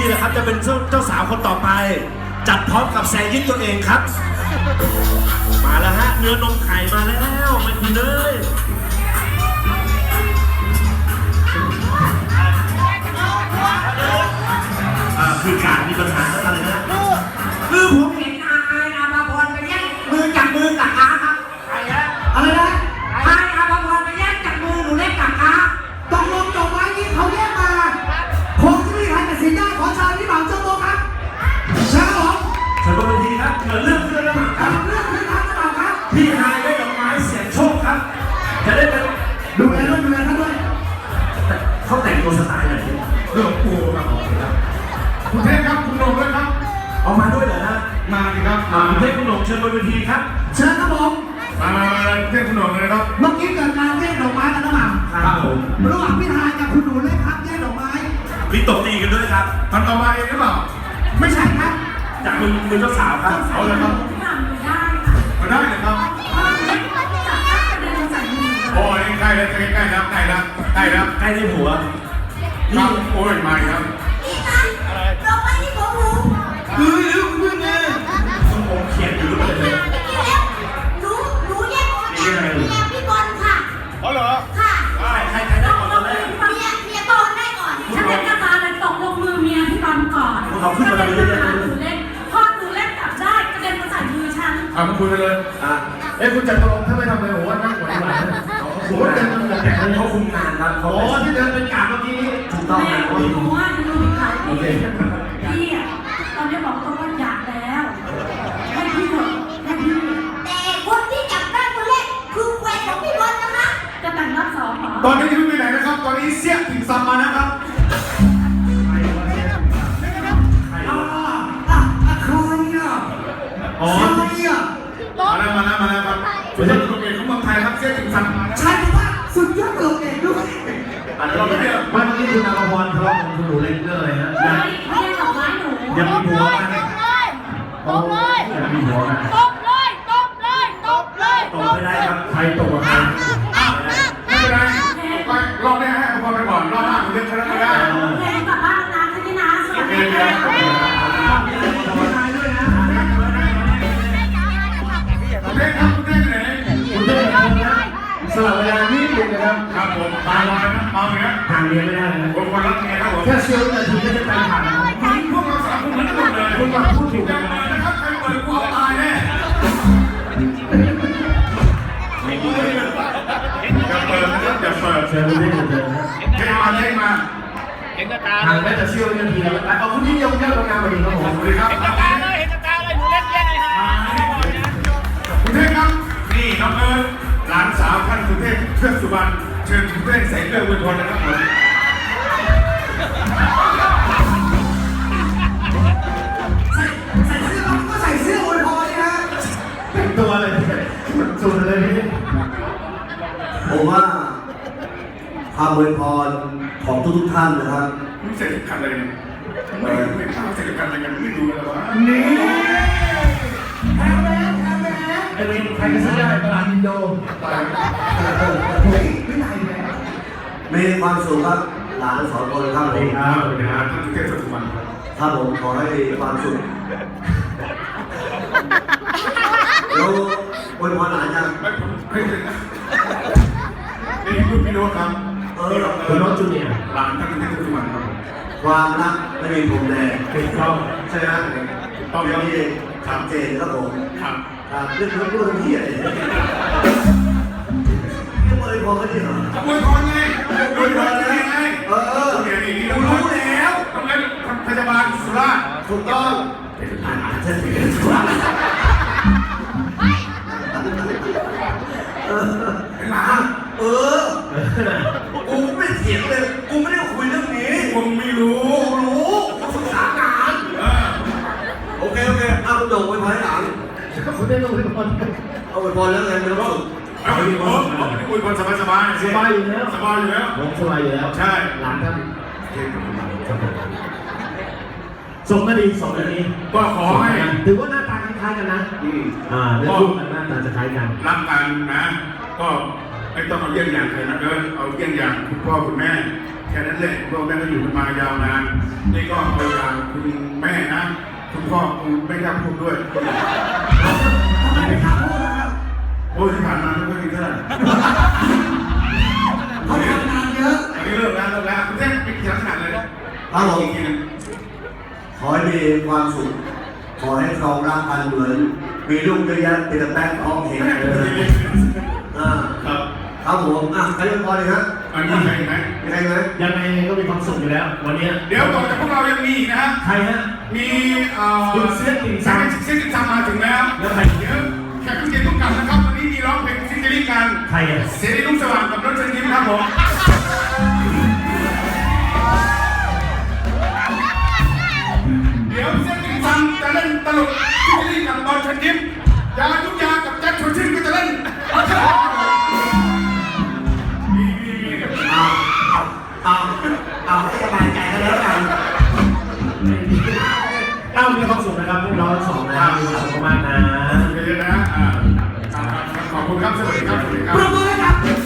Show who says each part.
Speaker 1: นี่แหละครับจะเป็นเจ้าสาวคนต่อไป จัดพร้อมกับแซยิดตัวเองครับ มาแล้วฮะเนื้อนมไข่มาแล้วไม่คุณเลยคือการมีปัญหาอะไรนะ
Speaker 2: คือผมเห็นอาภาพรไปแย่งมือจับมือกับอาครับอะไรนะอาภาพรไปแย่งจับมือหนูเล็กกับอาตกลงจบไว้นี้เขาแยกมาคงจะไม่มีใครตัดสินได้ขอชาวที่บ่าวเจ้าโตครับเชิญครับผม
Speaker 1: เชิญบนเวทีครับเกิดเรื่องขึ้นแล้วครับ
Speaker 2: เรื่องขึ้นครับเจ้าบ่าวครับ
Speaker 1: พี่นายได้ดอกไม้เสียงโชคครับจะได้เป็น
Speaker 2: ดูแลท่านด้วย
Speaker 1: เขาแต่งตัวสไตล์ไหนเรื่องปูครับ
Speaker 3: คุณเทพครับคุณโหน่งด้วยครับ
Speaker 1: เอามาด้วยเหรอฮะ
Speaker 3: มาดิครับ
Speaker 1: คุณเทพคุณโหน่งเชิญบนเวทีครับ
Speaker 2: เชิญครับผม
Speaker 3: มาเทพคุณโหน่งเลยครับ
Speaker 2: เมื่อกี้เกิดการแย่งดอกไม้กันหรือเปล่า
Speaker 1: ครับผม
Speaker 2: ระหว่างพี่ทายกับคุณหนูเล็กครับแย่งดอกไม้
Speaker 1: มีตบตีกันด้วยครับ
Speaker 3: มันเอามาเองหรือเปล่า
Speaker 2: ไม่ใช่ครับ
Speaker 1: จากมือเจ้าสาวครับ
Speaker 3: เอาเลยครับมาได้เลยครับโอ้ยใกล้แล้วใกล้แล้วใกล้แล้วใกล้แล้ว
Speaker 1: ใกล้ได้หัว
Speaker 3: ครับโอ้ยมาครับ
Speaker 4: ดอกไม้ที่ผมรู้
Speaker 1: เพื่อนไงผมเขียนอยู่ด้วยเลย
Speaker 4: หนูเนี่ยพี่บอลค่ะ
Speaker 3: อ๋อเหรอ
Speaker 4: ค่ะ
Speaker 1: ใครได้ก่อนตอนแรก
Speaker 4: เมียบอลได้ก่อน
Speaker 5: ฉันเป็นกระตาเลยตกลงมือเมียพี่บอลก่อน
Speaker 1: เขาขึ้นมาเลย
Speaker 5: หนูเล็กพอหนูเล็กจับได้กระเด็นมาใส่มือฉัน
Speaker 3: มาคุยกันเลยคุณจัดตกลงถ้าไม่ทำเลยผมว่านั่งหัวหลังผมว่าเดินมันแต่
Speaker 1: เขาคุมงานครับ
Speaker 3: โอ้ที่เดินเป็นกาดเมื่อกี้
Speaker 1: ถูกต้อง
Speaker 5: แม่
Speaker 1: ครับ
Speaker 5: หนูว่าหนูมีขายพี่อ่ะตอนนี้บอกตัวว่าอยากแล้วให้พี่เถอะให้พี่
Speaker 4: แต่คนที่จับได้คนแรกคือแฟนของพี่บอลนะคะ
Speaker 5: จะแต่งรอบสองเหรอ
Speaker 3: ตอนนี้ยังไม่ไปไหนนะครับตอนนี้เสี้ยติ่งซำมานะครับ
Speaker 2: ใครอ่ะ
Speaker 1: อ๋อ
Speaker 3: มาแล้วครับเป็นตลกเอกของเมืองไทยครับเสี้ยติ่งซำมา
Speaker 2: ใช่ว่าสุดยอดตลกเอกด้วย
Speaker 1: เราไม่ได้เมื่อกี้คุณอาภรณ์ทะเลาะกับคุณหนูเล็กเรื่องอะไรฮะ
Speaker 5: ไม่ได้ดอกไม้หนู
Speaker 1: ยังมีหัวกัน
Speaker 4: ตบเลย
Speaker 1: ยังมีหัวกัน
Speaker 4: ตบเลยต
Speaker 1: ไม่ได้ครับใครตกกับใคร
Speaker 3: ไม่เป็นไรไปรอบนี้ให้อภรณ์ไปก่อนรอบหน้าผมเรียกชนะไม่ได้
Speaker 5: เพลงกลับบ้านนะที่นะสวัสดีค่ะ
Speaker 3: คุณเท่ครับคุณเท่ไหน
Speaker 1: คุณเท่สลับเวลานิดนึงนะครับ
Speaker 3: ครับผมมาลอยนะมาเลยนะ
Speaker 1: ห่างเรียนไม่ได้นะ
Speaker 3: คนรักเมียครับผม
Speaker 1: แค่เชียวนาทีก็จะไปผ่าน
Speaker 3: พวกเราสามคนเหมือนกันหมดเลย
Speaker 1: คุณมาพูดถูก
Speaker 3: กั
Speaker 1: กัน น
Speaker 3: นะครับใครเปิดกูตายแน่อย่าเปิดนะครับอย่าเปิด
Speaker 1: เชิญคุณเท่เชิญ
Speaker 3: เท่มา
Speaker 1: ห่างแม้จะเชียวนาทีแล้วเอาคุณที่ยกเลิกงานมาดีครับผม
Speaker 3: สวัสดีครับ
Speaker 4: เห็นตาเลยหนูเล่นแย่เลยฮะ
Speaker 3: คุณเท่ครับนี่น้องเอิร์ธหลานสาวท่านคุณเท่เพื่อนสุวรรณเชิญคุณเท่ใส่เสื้อวันทนนะครับผม
Speaker 2: ใส่เสื้อก็ใส่เสื้ออวยพรนะ
Speaker 1: แต่งตัวเลยสุดเลยนี่
Speaker 6: ผมว่าคำอวยพรของทุกท่านนะครับ
Speaker 3: ไม่ใส่ถุงกันเลยไม่ข้าวใส่ถุงกันอะไรกันไม่รู้เลยว่า
Speaker 2: นี่แพ้
Speaker 1: ไอ้เรื่องใครก็ซื้อได้ตลาดอินโด
Speaker 2: เฮ้ยไม่ได้เลย
Speaker 6: มีความสุขครับหลานสองคนครับผม
Speaker 3: ท่านคุณเท่สุวรรณ
Speaker 6: ครับผมขอให้ความสุขแล้วอวยพรหลานยัง
Speaker 3: ไม่ถึงนะนี่คุณพี่โน้ตครับ
Speaker 1: คุณโน้ตจูเนียร์
Speaker 3: หลานท่านคุณเท่สุวรรณครับ
Speaker 6: ความรักไม่มีพรมแดง
Speaker 1: ถูกต้อง
Speaker 6: ใช่ไหมต้องอย่างนี้ชัดเจนครับผม
Speaker 3: ครับ
Speaker 6: เรื่องเรื่องที่อะไรจะอวยพรกันดิเหรอ
Speaker 3: อวยพรไงอวยพรไงเดี๋ยวนี้เรารู้แล้วทำไมพยาบาลสุราษฎร์
Speaker 6: ถูกต้อง
Speaker 1: เป็นผ่านเส้นเป็นสุรา
Speaker 6: หลานกูไม่เถียงเลยกูไม่ได้คุยเรื่องนี้
Speaker 3: มึงไม่รู้
Speaker 6: กูศึกษางานโอเคเอาคุณโด่งอวยพรให้หลาน
Speaker 1: คุณได้ลงอวยพร
Speaker 6: เอาอวยพรแล้วไงไม่ต้อง
Speaker 3: เอาอวยพรสบาย
Speaker 1: สบายอยู่แล้ว
Speaker 3: สบายอยู่แล้ว
Speaker 1: ผมสบายอยู่แล้ว
Speaker 3: ใช่
Speaker 1: หลานท่านส่งนาที
Speaker 3: ก็ขอให้
Speaker 1: ถือว่าหน้าตาคล้ายกันนะเรื่องรูปหน้าตาจะคล้ายกัน
Speaker 3: รักกันนะก็ไม่ต้องเอาเยี่ยงอย่างใครนะเอาเยี่ยงอย่างคุณพ่อคุณแม่ค่นั้นเลยพวกแม่ก็อยู่กันมายาวนานนี่ก็เอาอย่างคุณแม่นะคุณพ่อคุณไม่กล้าพูดด้วย
Speaker 2: ทำไมไม่กล้าพูดนะครับ
Speaker 3: โอ้ยที่ผ่านมาไม่ค่อยมีเท่าไหร่
Speaker 2: เขาทำงานเยอะ
Speaker 3: อันนี้เลิกแล้วคุณเท่เป็นกี่ลักษณะเลย
Speaker 6: ครับผม
Speaker 3: อีกทีนึง
Speaker 6: ขอให้มีความสุข ขอให้ครองรักกันเหมือน มีลูกเยอะแยะเป็นแต่แป้งท้องเห็นเลยอ่า
Speaker 3: ครับ
Speaker 6: ครับผมใครเล่นบอลเลยฮะ
Speaker 3: อันนี้ใครไหม
Speaker 6: มีใครไหม
Speaker 1: ยังไงก็มีความสุขอยู่แล้ว วันนี้
Speaker 3: เดี๋ยวต่อจากพวกเรายังมีอีกนะฮะ
Speaker 1: ใครฮะ
Speaker 3: มี
Speaker 1: คุณเสี้ยนติ่งซำ
Speaker 3: เสียงติ่งซำมาถึงแล้ว
Speaker 1: แล้วใคร
Speaker 3: เดี๋ยวแขกผู้เกียรติทุกท่านนะครับวันนี้มีร้องเพลงซิงเกิลกัน
Speaker 1: ใครอ่ะ
Speaker 3: เสรีรุ่งสว่างกับรถเชิญยิ้มครับผมเดี๋ยวเสียงติ่งซำจะเล่นตลกซิงเกิลกับบอลเชิญยิ้มยาทุกยากับแจ็คชวนชื่นก็จะเล่นมี
Speaker 6: เอาให้สบายใจกันแล้วกัน
Speaker 1: มีความสุขนะครับพวกเราทั้งสองนะครับมีความสุขมากๆนะ
Speaker 3: เยอะๆนะขอบคุณครับสวัสดีครับสวัสดีครั
Speaker 2: ปร
Speaker 3: บ
Speaker 2: บมือให้กับ